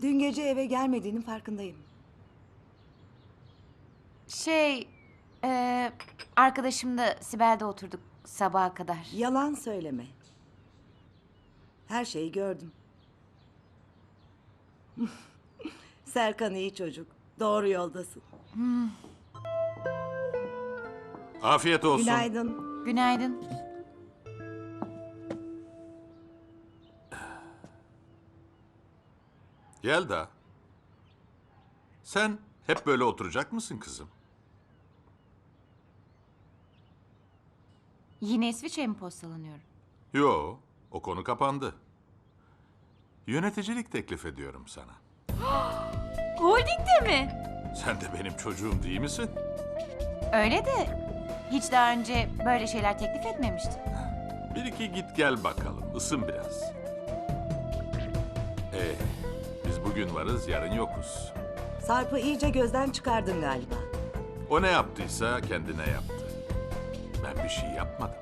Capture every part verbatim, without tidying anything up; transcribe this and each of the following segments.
Dün gece eve gelmediğinin farkındayım. Şey, e, arkadaşımla Sibel'de oturduk sabaha kadar. Yalan söyleme. Her şeyi gördüm. Serkan iyi çocuk. Doğru yoldasın. Afiyet olsun. Günaydın. Günaydın. Yelda. Sen hep böyle oturacak mısın kızım? Yine İsviçre'ye mi postalanıyorum? Yo, o konu kapandı. Yöneticilik teklif ediyorum sana. Holding'de mi? Sen de benim çocuğum değil misin? Öyle de hiç daha önce böyle şeyler teklif etmemiştim. Bir iki git gel bakalım, ısın biraz. Ee, biz bugün varız, yarın yokuz. Sarp'ı iyice gözden çıkardın galiba. O ne yaptıysa kendine yaptı. Ben bir şey yapmadım.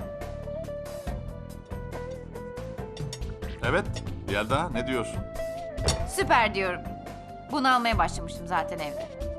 Evet, Yelda ne diyorsun? Süper diyorum. Bunu almaya başlamıştım zaten evde.